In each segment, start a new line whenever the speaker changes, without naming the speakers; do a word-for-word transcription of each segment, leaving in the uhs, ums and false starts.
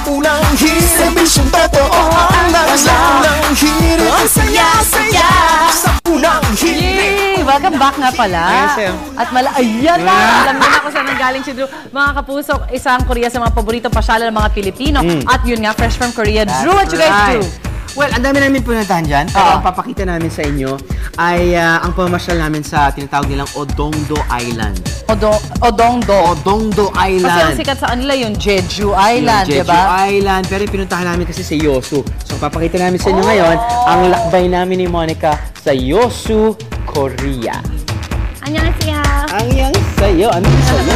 unang hirit, serbisyong totoo ang unang hirit. Ang saya-saya sa unang hirit.
Yay! Welcome back nga pala. At mala... Ayan na! Alam niyo na kung saan nanggaling si Drew. Mga kapuso, isang Korea sa mga paborito pasyala ng mga Pilipino. Mm. At yun nga, fresh from Korea. That's Drew, what you guys right. do?
Well, ang dami namin pununtahan dyan. Pero uh. ang papakita namin sa inyo ay uh, ang pamasyal namin sa tinatawag nilang Odongdo Island.
Odo Odongdo?
Odongdo Island.
Kasi ang sikat sa kanila yung Jeju Island, di ba?
Jeju Island. Pero pinuntahan namin kasi sa Yeosu. So, papakita namin sa inyo oh. ngayon ang lakbay namin ni Monica sa Yeosu, Korea.
Annyeonghaseyo.
Annyeonghaseyo. Annyeonghaseyo.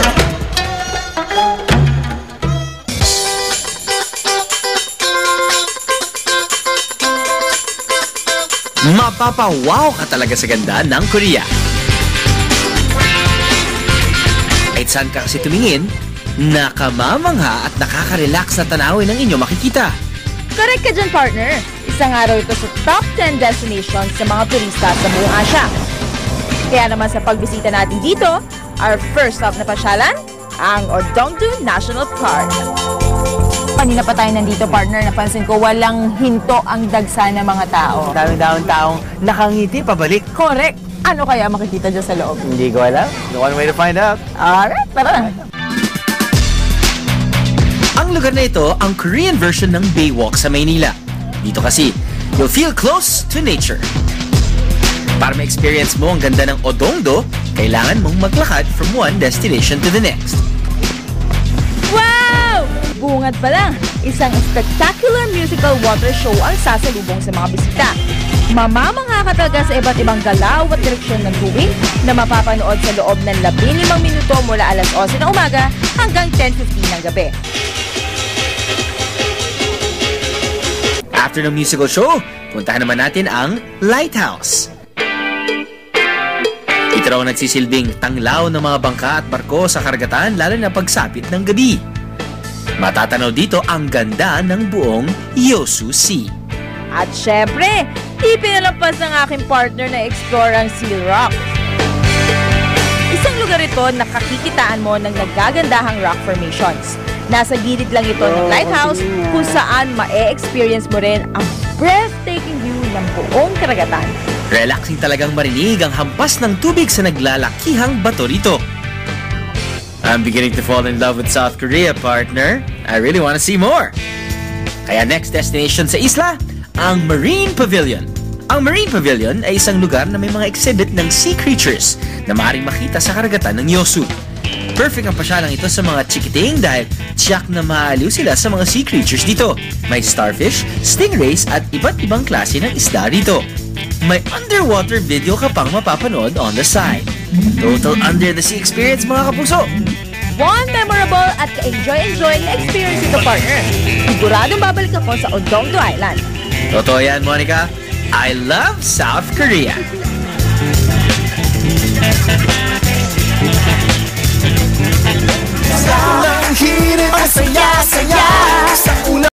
Mapapawaw ka talaga sa ganda ng Korea. Kahit saan ka kasi tumingin, nakamamangha at nakaka-relax na tanawin ng inyo makikita.
Correct ka dyan, partner. Isang araw ito sa top ten destinations sa mga turista sa buong Asia. Kaya naman sa pagbisita natin dito, our first stop na pasyalan, ang Odongdo National Park. Kanina pa tayo nandito, partner. Napansin ko, walang hinto ang dagsa ng mga tao.
Daming-daming taong nakangiti pabalik.
Correct. Ano kaya makikita dyan sa loob?
Hindi ko alam. No one way to find out.
Alright, tara.
Ang lugar na ito, ang Korean version ng Baywalk sa Maynila. Dito kasi, you'll feel close to nature. Para ma-experience mo ang ganda ng Odongdo, kailangan mong maglakad from one destination to the next.
Wow! Bungad pa lang, isang spectacular musical water show ang sasalubong sa mga bisita. Mamamangha ka talaga sa iba't ibang galaw at direksyon ng tubig na mapapanood sa loob ng labing limang minuto mula alas eleven ng umaga hanggang ten fifteen ng gabi.
After ng musical show, puntahan naman natin ang Lighthouse. Ito raw nagsisilbing tanglaw ng mga bangka at barko sa karagatan lalo na pagsapit ng gabi. Matatanaw dito ang ganda ng buong Yeosu Sea.
At syempre, di pinalampas ng aking partner na explore ang Seal Rock. Isang lugar ito na kakikitaan mo ng nagagandahang rock formations. Nasa gilid lang ito ng lighthouse kung saan ma-e-experience mo rin ang breathtaking view ng buong karagatan.
Relaxing talagang marinig ang hampas ng tubig sa naglalakihang bato rito. I'm beginning to fall in love with South Korea, partner. I really want to see more. Kaya next destination sa isla, ang Marine Pavilion. Ang Marine Pavilion ay isang lugar na may mga exhibit ng sea creatures na maaaring makita sa karagatan ng Yeosu. Perfect ang pasyalang ito sa mga chikiting dahil tiyak na maaliw sila sa mga sea creatures dito. May starfish, stingrays at iba't ibang klase ng isda rito. May underwater video ka pang mapapanood on the side. Total under the sea experience, mga kapuso.
One memorable at ka-enjoy-enjoy na experience ito, partner. Siguradong babalik ako sa Odongdo Island.
Totoo yan, Monica. I love South Korea.